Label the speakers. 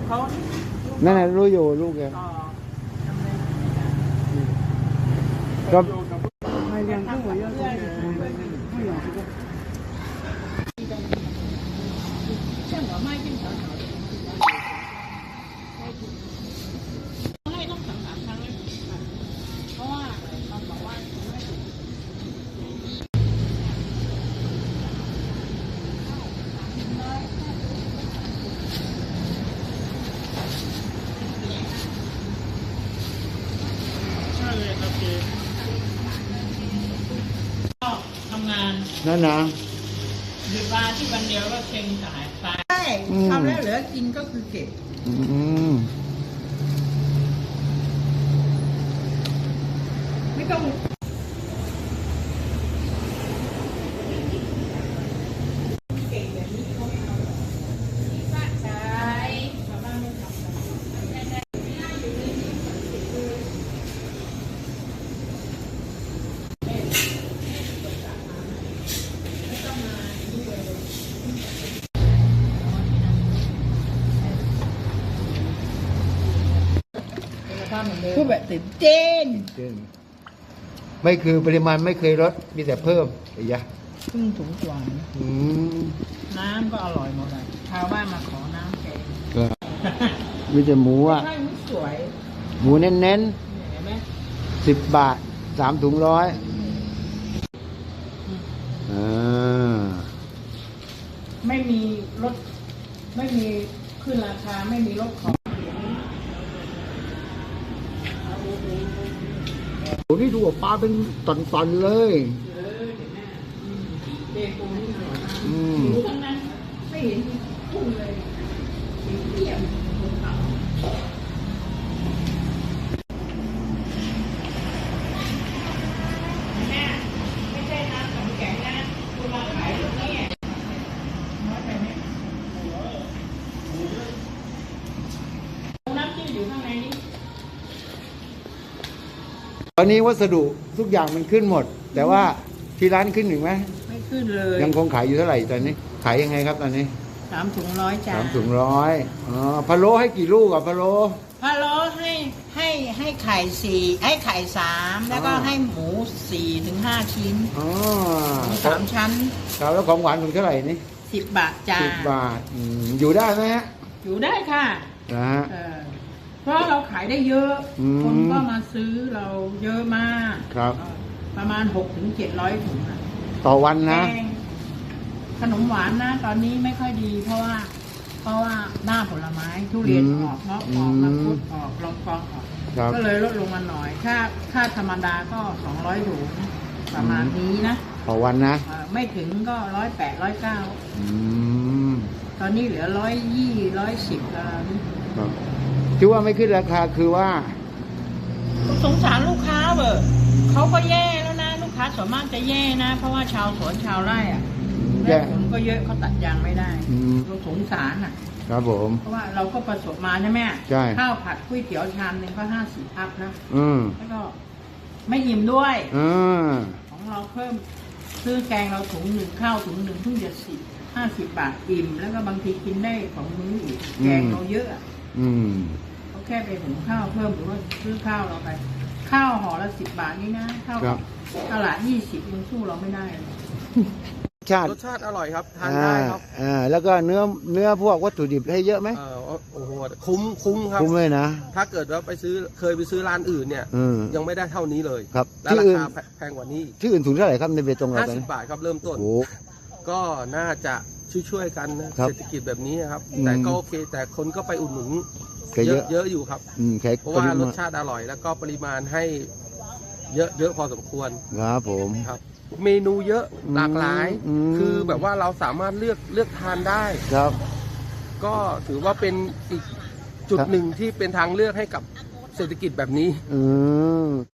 Speaker 1: เขา
Speaker 2: นั่นแหละรู้อยู่ลูกแก
Speaker 1: ต่อ
Speaker 2: ก็
Speaker 1: 像我卖进小小的ให้ต้องสั่ง3 ครั้งเลยเพราะว่าเขาบอกว่าไม่ถูกใช่เลยครับพี่ก็ทำงาน
Speaker 2: นั่นนะ
Speaker 1: หยุดวันที่วันเดียวก็เช็งสายไปใช่ทำแล้วเหลือกินก็คือเก็บไม่ต้องเก่งแบบนี้เขาไม่เอาที่บ้านใช้ชาวบ้านไม่ทำกันคือแบบตื่นเต้น
Speaker 2: ไม่คือปริมาณไม่เคยลดมีแต่เพิ่มไอ้ยะ
Speaker 1: ครึ่งถุงกว่าน้ำก็อร่อยหมดเลยชาวบ้านมาขอน้ำแกง
Speaker 2: มีแต่หมูอ่ะ
Speaker 1: ใช่หมูสวย
Speaker 2: หมูเน้น
Speaker 1: เห็นไหม
Speaker 2: 10 บาท3 ถุง100
Speaker 1: ไม่มีลดไม่มีขึ้นราคาไม่มีลดของ
Speaker 2: โอ้นี่ดูปลาเป็นตอนๆเลย
Speaker 1: เด็กปูนี่อร่อยมากหมูทั้งนั้นไม่เห็นพุ่งเลยเทียมแม่ไม่ใช่น้ำของแข็งนะคุณมาขายลูกนี้น้อยไปไหมน้ำจิ้มอยู่ข้างในนี้
Speaker 2: ตอนนี้วัสดุทุกอย่างมันขึ้นหมดแต่ว่าที่ร้านขึ้นหนึ่งไหม
Speaker 1: ไม่ขึ้นเลย
Speaker 2: ยังคงขายอยู่เท่าไหร่ตอนนี้ขายยังไงครับตอนนี้
Speaker 1: 3 ถุง 100จ้า
Speaker 2: 3 ถุง 100พะโล้ให้กี่ลูกอ่ะพะโล้
Speaker 1: ให้ไข่4ให้ไข่3แล้วก็ให้หมู4 ถึง 5 ชิ้น
Speaker 2: หมู
Speaker 1: 3 ชั้น
Speaker 2: ครับแล้วของหวานถุงเท่าไหร่นี่
Speaker 1: 10 บาทจ้า
Speaker 2: 10 บาทอยู่ได้ไหมฮะ
Speaker 1: อยู่ได้ค่ะ
Speaker 2: นะฮะ
Speaker 1: เพราะเราขายได้เยอะคนก็มาซื้อเราเยอะมาก
Speaker 2: ครับ
Speaker 1: ประมาณ6 ถึง 700 ถุง
Speaker 2: ต่อวันนะ
Speaker 1: ขนมหวานนะตอนนี้ไม่ค่อยดีเพราะว่าหน้าผลไม้ทุเรียนออกเงาะออกมังคุดออกลองกองออกก็เลยลดลงมาหน่อยค่าธรรมดาก็200 ถุงประมาณนี้นะ
Speaker 2: ต่อวันนะ
Speaker 1: ไม่ถึงก็108 109ตอนนี้เหลือ120 110แล้ว
Speaker 2: ที่ว่าไม่ขึ้นราคาคือว่า
Speaker 1: สงสารลูกค้าเบอเขาก็แย่แล้วนะลูกค้าส่วนมากจะแย่นะเพราะว่าชาวสวนชาวไร่แย่ผมก็เยอะเขาตัดยางไม่ได้เราสงสาร
Speaker 2: ครับผม
Speaker 1: เพราะว่าเราก็ประสบมาใช่ไหม
Speaker 2: ใช่
Speaker 1: ข้าวผัดก๋วยเตี๋ยวชามนึงก็50 อัพนะแล้วก็ไม่อิ่มด้วยของเราเพิ่มซื้อแกงเราถุงหนึ่งข้าวถุงหนึ่งเพิ่งจะ50 บาทอิ่มแล้วก็บางทีกินได้2 มื้ออีกแกงเราเยอะเขาแค่ไปหุงข้าวเพิ่มหรือว่าซื้อข้าวเราไปข้าวห่อละ10 บาทนี่นะข้าวตลาด20ยังสู้เราไม่ได้
Speaker 3: รสชาติอร่อยครับทานได้ครับ
Speaker 2: แล้วก็เนื้อพวกวัตถุดิบให้เยอะไหม
Speaker 3: โอ้โหคุ้มครับ
Speaker 2: คุ้มเลยนะ
Speaker 3: ถ้าเกิดว่าเคยไปซื้อร้านอื่นเนี่ยยังไม่ได้เท่านี้เลย
Speaker 2: ครับ
Speaker 3: และราคาแพงกว่านี้
Speaker 2: ที่อื่นถุงเท่าไหร่ครับในเบตงเรา
Speaker 3: 50 บาทครับเริ่มต้นก็น่าจะช่วยกันนะเศรษฐกิจแบบนี้ครับแต่ก็โอเคแต่คนก็ไปอุดหนุนเยอะอยู่ครับเพราะว่ารสชาติอร่อยแล้วก็ปริมาณให้เยอะพอสมควร
Speaker 2: ครับผม
Speaker 3: ครับเมนูเยอะหลากหลายคือแบบว่าเราสามารถเลือกทานได้
Speaker 2: ครับ
Speaker 3: ก็ถือว่าเป็นอีกจุดหนึ่งที่เป็นทางเลือกให้กับเศรษฐกิจแบบนี้